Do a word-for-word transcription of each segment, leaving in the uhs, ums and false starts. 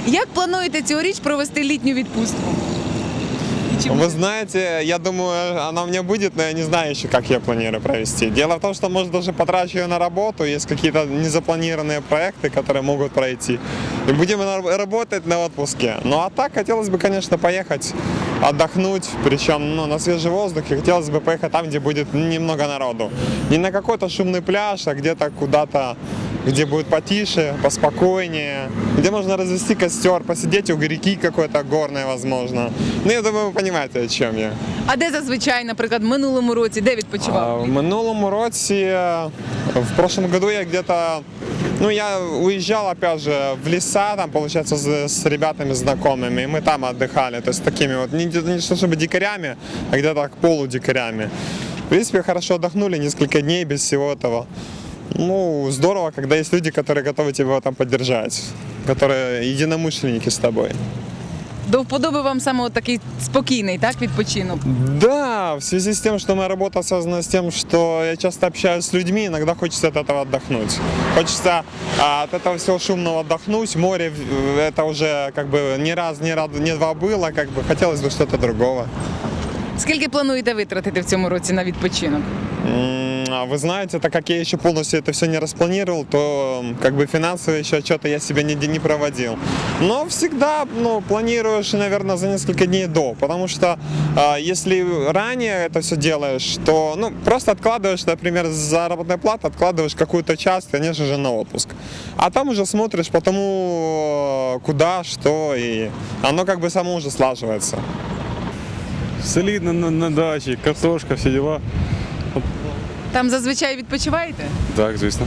Як плануєте цьогоріч провести літню відпустку? Вы знаете, я думаю, она у меня будет, но я не знаю еще, как я планирую провести. Дело в том, что, может, даже потрачу ее на работу, есть какие-то незапланированные проекты, которые могут пройти. И будем работать на отпуске. Ну а так, хотелось бы, конечно, поехать отдохнуть, причем ну, на свежий воздух. И хотелось бы поехать там, где будет немного народу. Не на какой-то шумный пляж, а где-то куда-то, где будет потише, поспокойнее, где можно развести костер, посидеть у реки какой-то горной, возможно. Ну, я думаю, вы понимаете, о чем я. А де зазвичай, наприклад, в минулому році, де А, відпочивав? В минулому році, в прошлом году я где-то, ну, я уезжал, опять же, в леса, там, получается, с, с ребятами знакомыми, и мы там отдыхали, то есть такими вот, не, не то чтобы дикарями, а где-то полудикарями. В принципе, хорошо отдохнули, несколько дней без всего этого. Ну, здорово, когда есть люди, которые готовы тебя там поддержать, которые единомышленники с тобой. До вподоби вам саме от такий спокійний, так, відпочинок? Да, в связи с тем, что моя работа связана с тем, что я часто общаюсь с людьми, иногда хочется от этого отдохнуть. Хочется а, от этого всего шумного отдохнуть. Море это уже как бы не раз, не, раз, не два было, как бы хотелось бы что-то другого. Скільки плануєте витратити в цьому році на відпочинок? Вы знаете, так как я еще полностью это все не распланировал, то как бы финансово еще отчета я себе не, не проводил. Но всегда ну, планируешь, наверное, за несколько дней до, потому что э, если ранее это все делаешь, то ну, просто откладываешь, например, с заработной платы, откладываешь какую-то часть, конечно же, на отпуск. А там уже смотришь по тому, куда, что, и оно как бы само уже слаживается. Солидно на, на дачі, картошка, всі діла. Там зазвичай відпочиваєте? Так, звісно.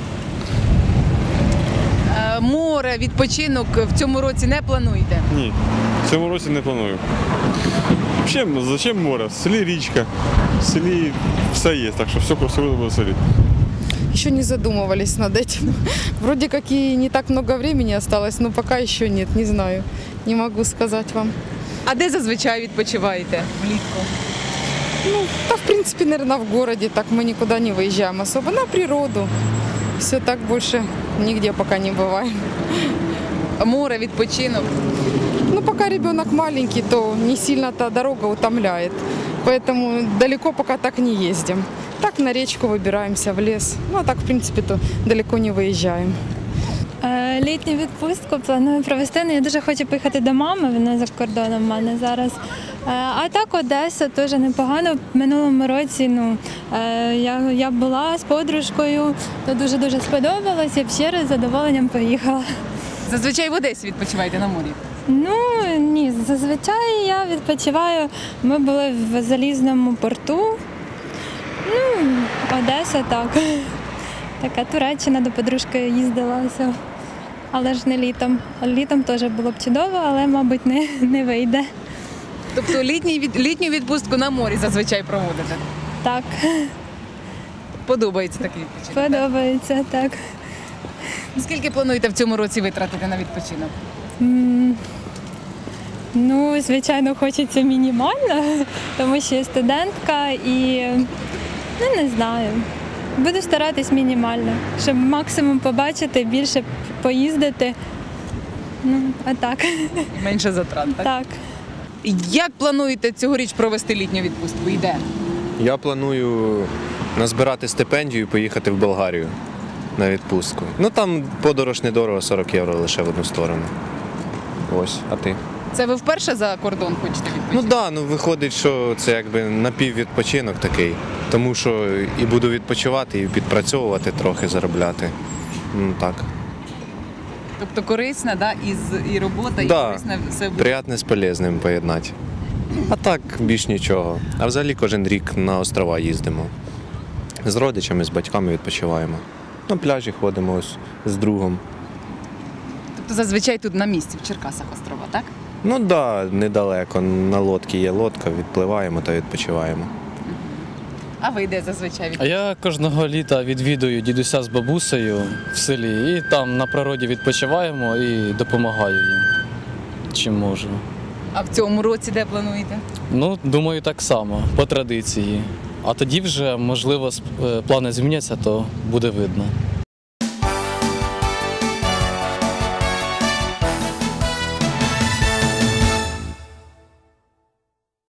Е, Море, відпочинок в цьому році не плануєте? Ні, в цьому році не планую. Взагалі, зачем море? В селі річка, в селі все є, так що все красиво буде в селі. Еще не задумывались над этим. Вроде как и не так много времени осталось, но пока еще нет, не знаю. Не могу сказать вам. А де зазвичай відпочиваєте влітку? Ну, да, в принципе, наверное, в городе. Так мы никуда не выезжаем особо. На природу. Все так больше нигде пока не бываем. Море, відпочинок. Ну, пока ребенок маленький, то не сильно та дорога утомляет. Поэтому далеко пока так не ездим. Так на речку выбираемся, в лес. Ну, а так, в принципе, то далеко не выезжаем. Е, Літню відпустку планую провести. Ну, я дуже хочу поїхати до мами, вона за кордоном в мене зараз. Е, А так Одеса теж непогано. В минулому році ну, е, я, я була з подружкою, то дуже-дуже сподобалось, я б ще раз з задоволенням поїхала. Зазвичай в Одесі відпочиваєте на морі? Ну, ні, зазвичай я відпочиваю. Ми були в Залізному порту. Ну, Одеса так. Така Туреччина, до подружки їздилася. Але ж не літом. Літом теж було б чудово, але, мабуть, не, не вийде. Тобто літній, від- літню відпустку на морі зазвичай проводите? Так, Подобається такий відпочинок? подобається, так. Скільки плануєте в цьому році витратити на відпочинок? М, Ну, звичайно, хочеться мінімально, тому що я студентка і, ну, не знаю. Буду старатись мінімально, щоб максимум побачити, більше поїздити. Ну, а так. Менше затрат, так? Так. Як плануєте цьогоріч провести літню відпустку? І де? Я планую назбирати стипендію і поїхати в Болгарію на відпустку. Ну там подорож недорого, сорок євро лише в одну сторону. Ось, а ти? Це ви вперше за кордон хочете Ну відпочити? так, да, ну виходить, що це якби напіввідпочинок такий. Тому що і буду відпочивати, і підпрацьовувати трохи, заробляти. Ну так. Тобто корисна, да? і, з- і робота, і Да. корисна все буде. Приятне з полезним поєднати. А так, більш нічого. А взагалі кожен рік на острова їздимо. З родичами, з батьками відпочиваємо. На пляжі ходимо ось з другом. Тобто зазвичай тут на місці, в Черкасах острова, так? Ну так, да, недалеко. На лодці є лодка, відпливаємо та відпочиваємо. А ви де зазвичай А відпочиваєте? я кожного літа відвідую дідуся з бабусею в селі і там на природі відпочиваємо і допомагаю їм, чим можу. А в цьому році де плануєте? Ну, думаю, так само, по традиції. А тоді вже, можливо, сп- е, плани зміняться, то буде видно.